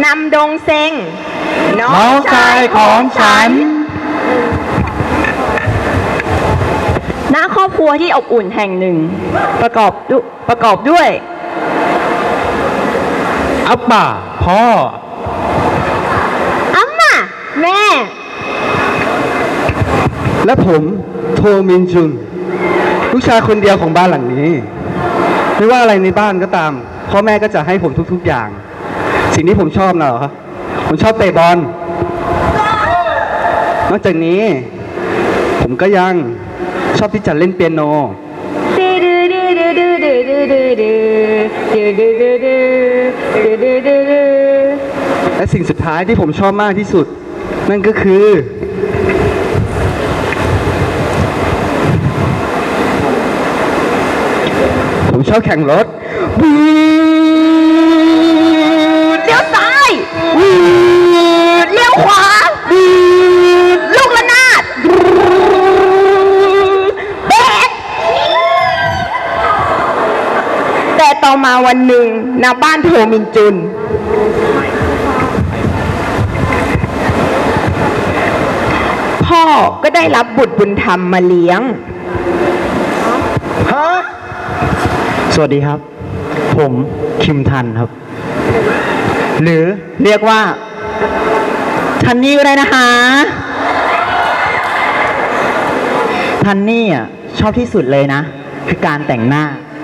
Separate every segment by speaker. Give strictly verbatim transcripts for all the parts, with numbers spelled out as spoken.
Speaker 1: ำดงเซ็งน้อ
Speaker 2: น้อง งชายของฉัน
Speaker 1: ณครอบครัวที่อบอุ่นแห่งหนึ่ง ประกอบดุประกอบด้วย
Speaker 2: อับป่าพ่อ
Speaker 1: อัมมาแม่
Speaker 3: และผมโทมินจุน ลูกชายคนเดียวของบ้านหลังนี้ ไม่ว่าอะไรในบ้านก็ตามพ่อแม่ก็จะให้ผมทุกๆอย่าง สิ่งที่ผมชอบน่ะเหรอครับผมชอบเตะบอลนอกจากนี้ ผมก็ยังชอบที่จะเล่นเปียโน และสิ่งสุดท้ายที่ผมชอบมากที่สุด นั่นก็คือ ผมชอบแข่งรถบูด
Speaker 1: เลี้ยวซ้ายวูดเลี้ยวขวาวูดลูกระนาดวูดเบรกแต่ต่อมาวันหนึ่งณบ้านโทมินจุน พ่อก็ได้รับบุตรบุญธรรมมาเลี้ยง
Speaker 3: ฮะ
Speaker 2: สวัสดีครับ ผมคิมทันครับ หรือเรียกว่าทันนี่ก็ได้นะคะทันนี่อ่ะชอบที่สุดเลยนะ คือการแต่งหน้า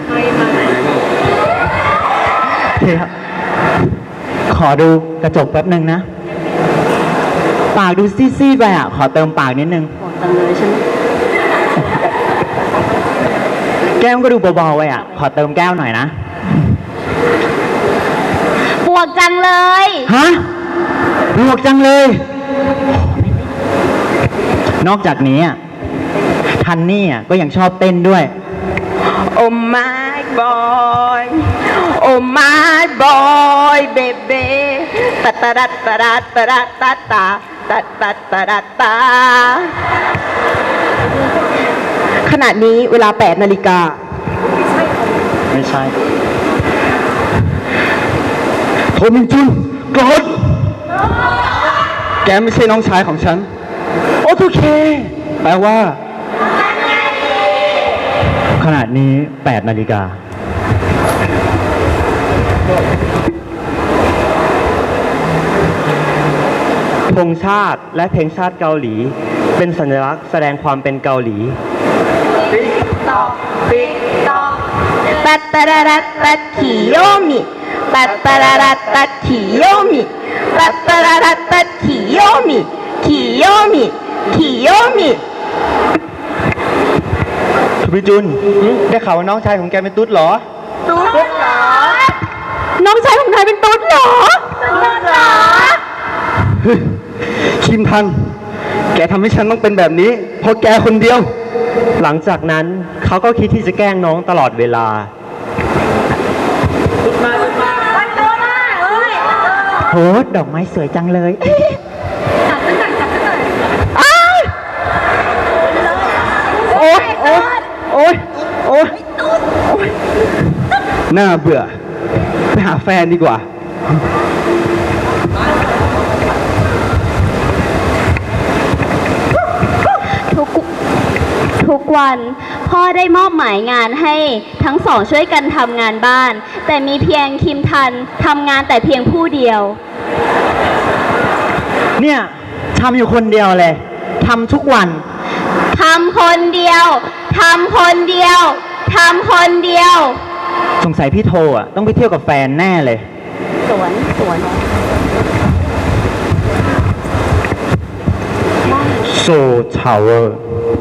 Speaker 2: เดี๋ยวขอดูกระจกแป๊บหนึ่งนะ ปากดูซีดๆไปอ่ะ ขอเติมปากนิดนึงแก้มก็ดูเบาๆไปอ่ะ ขอเติมแก้วหน่อยนะ
Speaker 1: ปวกจังเลย
Speaker 2: ฮะบวกจังเลย นอกจากนี้อ่ะทันนี่อ่ะก็ยังชอบเต้นด้วย
Speaker 1: โอ้ my boy โอ้ my boy baby ตัดตัดตัดตัดตัดตัดตัดตัดตัดตัดตัดขณะนี้เวลาแปดนาฬิกา
Speaker 2: ไม่ใช่
Speaker 3: โทมินจุนโกรธแกไม่ใช่น้องชายของฉัน โอทูเค แปลว่า
Speaker 2: ขณะนี้แปดนาฬิกา ธงชาติและเพลงชาติเกาหลี เป็นสัญลักษณ์แสดงความเป็นเกาหลี
Speaker 1: ตัดตัดตัดตัดคิโยมิตัดตัดตัดตัดคิโยมิตัดตัดตัดตัดคิโยมิคิโยมิคิโยมิ
Speaker 3: ทุพิจุน ได้ข่าวว่าน้องชายของแกเป็นตุ๊ดเหรอ
Speaker 1: ตุ๊ดเหรอน้องชายของนายเป็นตุ๊ดเหรอตุ๊ดเหรอ
Speaker 3: คิมทัน แกทำให้ฉันต้องเป็นแบบนี้ เพราะแกคนเดียว
Speaker 2: หลังจากนั้นเขาก็คิดที่จะแกล้งน้องตลอดเวลา โหดอกไม้สวยจังเลย
Speaker 3: โอ๊ยโอ๊ยโอ๊ยโอ๊ยน่าเบื่อ ไปหาแฟนดีกว่า
Speaker 4: ทุกทุกวันพ่อได้มอบหมายงานให้ทั้งสองช่วยกันทำงานบ้าน แต่มีเพียงคิมทันทำงานแต่เพียงผู้เดียว
Speaker 2: เนี่ยทำอยู่คนเดียวเลยทำทุกวัน
Speaker 4: ทำคนเดียวทำคนเดียวทำคนเดียว
Speaker 2: สงสัยพี่โทอ่ะต้องไปเที่ยวกับแฟนแน่เลย
Speaker 4: สวนสวน
Speaker 2: โซทาวเวอร์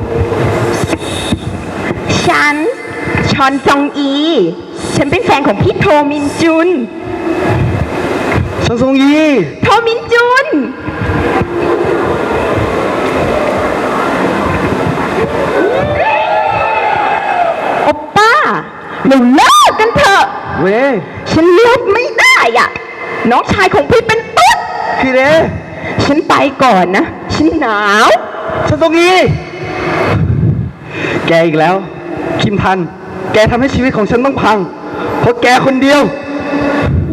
Speaker 1: ฉันชอนจองอี ฉันเป็นแฟนของพี่โทมินจุน
Speaker 3: ชันซงยี
Speaker 1: โทมินจุน โอป้าเราเลิกกันเถอะ
Speaker 3: เว้
Speaker 1: ฉันเลือกไม่ได้อ่ะ น้องชายของพี่เป็นตุ๊ด
Speaker 3: คือเด
Speaker 1: ฉันไปก่อนนะ ฉันหนาว
Speaker 3: ชันซงยีแกอีกแล้ว คิมทัน แกทำให้ชีวิตของฉันต้องพัง เพราะแกคนเดียว